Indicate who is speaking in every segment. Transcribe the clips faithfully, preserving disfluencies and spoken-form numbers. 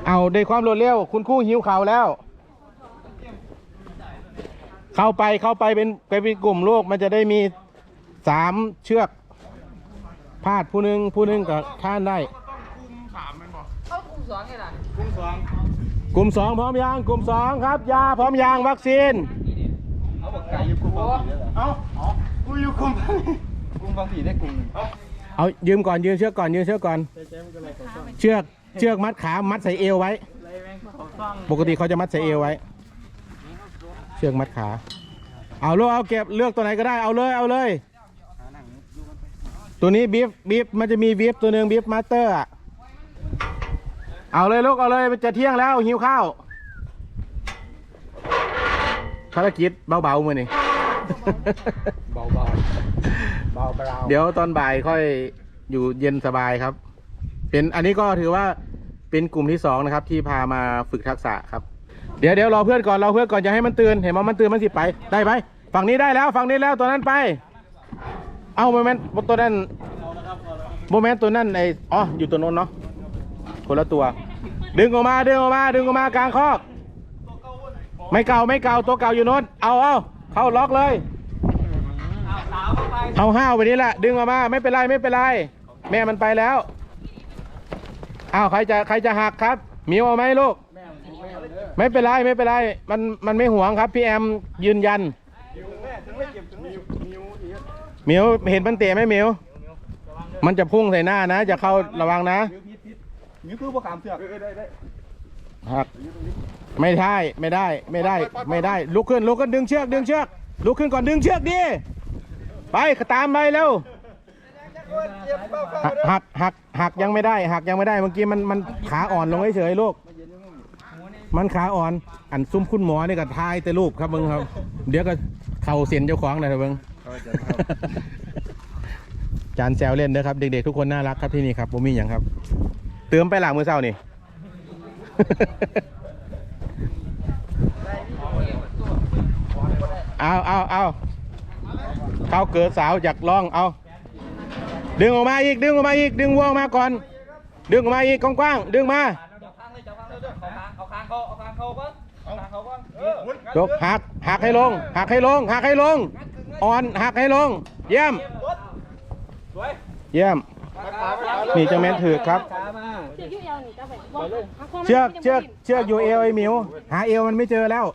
Speaker 1: เอาด้วยความรวดเร็วคุณครูหิวข่าวแล้ว เข้าไปเข้าไปเป็นไปเป็นกลุ่มลูกมันจะได้มีสามเชือกพาดผู้หนึ่งผู้หนึ่งกับท่านได้กลุ่มสองไงล่ะกลุ่มสองกลุ่มสองพร้อมยังกลุ่มสองครับยาพร้อมยังวัคซีนเอาบอกไก่อยู่กลุ่มบางผีเอากูอยู่กลุ่มกลุ่มบางผีได้กลุ่มเอายืมก่อนยืมเชือกก่อนยืมเชือกก่อนเชือกเชือกมัดขามัดใส่เอวไว้ปกติเขาจะมัดใส่เอวไว้เชือกมัดขาเอาลูกเอาเก็บเลือกตัวไหนก็ได้เอาเลยเอาเลยตัวนี้บีฟบีฟมันจะมีบีฟตัวหนึ่งบีฟมาสเตอร์อะเอาเลยลูกเอาเลยมันจะเที่ยงแล้วหิวข้าวภารกิจเบาๆมือนี่เบาๆเบาๆเดี๋ยวตอนบ่ายค่อยอยู่เย็นสบายครับเป็นอันนี้ก็ถือว่าเป็นกลุ่มที่สองนะครับที่พามาฝึกทักษะครับเดี๋ยวเดี๋ยวรอเพื่อนก่อนรอเพื่อนก่อนจะให้มันตื่นเห็นมั้ยมันตื่นมันสิไปได้ไหมฝั่งนี้ได้แล้วฝั่งนี้แล้วตัวนั้นไปเอาโมเมนต์ตัวนั้นโมเมนต์ตัวนั้นไออ๋ออยู่ตัวโน้นเนาะคนละตัวดึงออกมาดึงออกมาดึงออกมากลางคอกไม่เก่าไม่เก่าตัวเก่าอยู่โน้นเอาเอาเข้าล็อกเลยเอาห้าวไปนี้แหละดึงออกมาไม่เป็นไรไม่เป็นไรแม่มันไปแล้วเอาใครจะใครจะหักครับมิวเอาไหมลูกไม่เป็นไรไม่เป็นไรมันมันไม่ห่วงครับพี่แอมยืนยันมิวเห็นมันเตะไหมมิวมันจะพุ่งใส่หน้านะจะเข้าระวังนะมิวคือพวกขามเสือกหักไม่ได้ไม่ได้ไม่ได้ไม่ได้ลุกขึ้นลุกขึ้นดึงเชือกดึงเชือกลุกขึ้นก่อนดึงเชือกดิไปตามไปเร็วหักหักหักยังไม่ได้หักยังไม่ได้เมื่อกี้มันมันขาอ่อนลงเฉยๆลูกมันขาอ่อนอันซุ้มคุณหมอนี่ก็ทายแต่รูปครับมึงครับเดี๋ยวก็เข่าเสียนเจ้าของเลยครับมึงจานแซวเล่นนะครับเด็กๆทุกคนน่ารักครับที่นี่ครับผมมีอย่างครับเติมไปหลังมือเศร้านี่เอาเอาเอาเขาเกิดสาวอยากลองเอาดึงออกมาอีกดึงออกมาอีกดึงวัวออกมาก่อนดึงออกมาอีกกว้างๆดึงมาจกหักหักให้ลงหักให้ลงหักให้ลงอ่อนหักให้ลงเยี่ยมเยี่ยมนี่จังแม่นถือครับเชือกเชือกเชือกอยู่เอวไอ้หมิวหาเอวมันไม่เจอแล้ว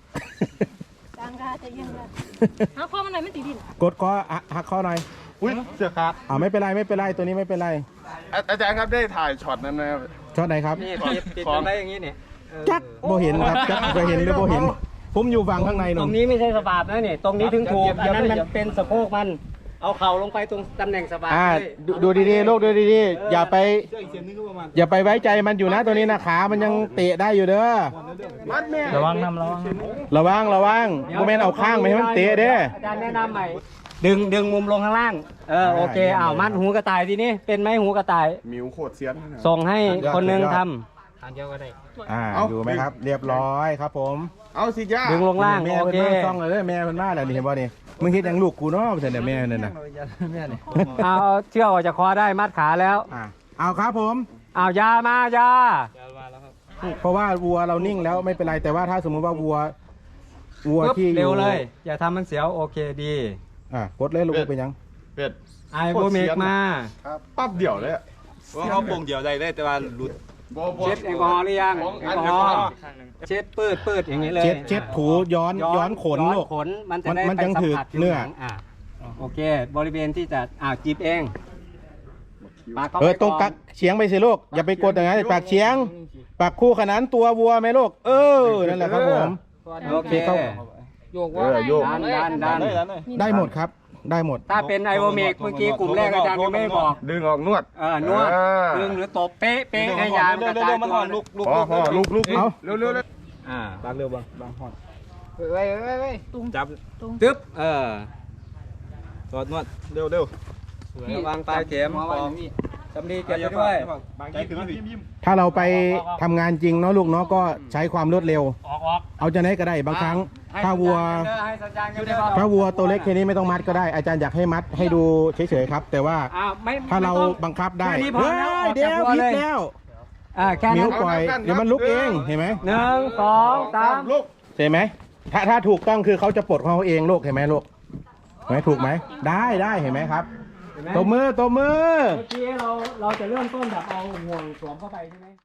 Speaker 2: หักคอมันหน่อยมันติดดิน
Speaker 1: กดคอหักคอหน่อย
Speaker 3: อุ้ยเสือขาด
Speaker 1: อ่าไม่เป็นไรไม่เป็นไรตัวนี้ไม่เป็นไร
Speaker 3: อาจารย์ครับได้ถ่ายช็อตนั้นนะครับ
Speaker 1: ช็อตไหนครับ
Speaker 4: นี่ติดตรงไหนอย่างนี้เนี่ย
Speaker 1: จักโบเห็นครับจักโบเห็นหรือโบเห็นผมอยู่ฝั่งข้างในหนู
Speaker 4: ตรงนี้ไม่ใช่สปาบนะนี่ตรงนี้ถึงถูกอันนั้นมันเป็นสะโพกมันเอาเข่าลงไปตรงตำแหน่งสปาบ
Speaker 1: ดูดีๆลูกดูดีๆอย่าไปอย่าไปไว้ใจมันอยู่นะตัวนี้นะขามันยังเตะได้อยู่เด้อ
Speaker 4: ระวังน้ำระวัง
Speaker 1: ระวังระวังโมเมนต์เอาข้างไปให้มันเตะเด้อ
Speaker 4: อาจารย์แนะนำใหม่ดึงดึงมุมลงข้างล่างเออโอเคอ้าวมัดหูกระต่ายทีนี้เป็นไหมหูกระต่าย
Speaker 3: มิวโคตรเสียน
Speaker 4: ส่งให้คนนึงทำทางเดียวก็ได้
Speaker 1: อ่าอยู่ไหมครับเรียบร้อยครับผม
Speaker 3: เอาสิจ้า
Speaker 4: ดึงลงล่าง
Speaker 1: โอเคซ่องเลยแม่มันมาแล้วนี่เห็นป่ะนี่มึงคิดยังลูกกูเนาะแต่แม่นั่นน่ะ
Speaker 4: เอาเชือกออกจากคอได้มัดขาแล้ว
Speaker 1: อ่าเอาครับผม
Speaker 4: เอายามายา
Speaker 1: เพราะว่าวัวเรานิ่งแล้วไม่เป็นไรแต่ว่าถ้าสมมุติว่าวัววัวที่
Speaker 4: เร็วเลยอย่าทำมันเสียวโอเคดี
Speaker 1: อ่ะกดเลยลูกเป็นยัง
Speaker 3: เป็ด
Speaker 4: ไอโบเมกมา
Speaker 3: ปั๊บเดี่ยวเลย
Speaker 5: ว่าเขาปงเดี่ยวได้ได้แต่ว่าหลุด
Speaker 4: เช็ดแอลกอฮอล์หรือยังแอลกอฮอล์เช็ดปืดปืดอย่างนี้เลย
Speaker 1: เช็ดเช็ดถูย้อนย้อนขนลูก
Speaker 4: ขนมันจะได้ไปสัมผัสเนื้ออ่ะโอเคบริเวณที่จะอ่าจีบเอง
Speaker 1: เออตรงกักเฉียงไปสิลูกอย่าไปกดอย่างนั้นปากเฉียงปากคู่ขนานตัววัวไหมลูกเออนั่นแหละครับผม
Speaker 4: โอเค
Speaker 2: โยกว่า
Speaker 4: ดันดันดัน
Speaker 1: ได้หมดครับได้หมด
Speaker 4: ถ้าเป็นไอโอเมกเมื่อกี้กลุ่มแรกอาจารย์ยังไม่บอก
Speaker 3: ดึงออกนวด
Speaker 4: เออนวดดึงหรือตบเป๊ะเป๊ะให้ยามกระจายตัว
Speaker 3: ลุกลุกลุกลุกเอาเร็วเร็ว
Speaker 4: อ่าบางเร็วบางบางหอด
Speaker 2: ไว้ไว้ไว้ตุ้ง
Speaker 4: จับตึ๊บเออ
Speaker 5: ตอดนวดเร็วเร็ว
Speaker 4: วางปลายเข็มมองจำดีเก็บด้วย
Speaker 1: ถ้าเราไปทำงานจริงเนาะลูกเนาะก็ใช้ความรวดเร็วเอาจะไหนก็ได้บางครั้งถ้าวัวถ้าวัวตัวเล็กแค่นี้ไม่ต้องมัดก็ได้อาจารย์อยากให้มัดให้ดูเฉยๆครับแต่ว่าถ้าเราบังคับได้เฮ้ยเดี๋ยวผิดแล้ว
Speaker 4: อ่าแค่
Speaker 1: นิ้
Speaker 4: นั้
Speaker 1: วน ปล่อยเดี๋ยวมันลุกเองเห็นไหม
Speaker 4: หนึ่งสองสาม
Speaker 3: ลูก
Speaker 1: เห็นไหมถ้าถ้าถูกต้องคือเขาจะปลดของเขาเองลูกเห็นไหมลูกเห็นไหมถูกไหมได้ได้เห็นไหมครับ
Speaker 4: เห็นไหม
Speaker 1: ตบมือตบมือ
Speaker 4: เมื่อกี้เราเราจะเริ่มต้นแบบเอาห่วงสวมเข้าไปใช่ไหม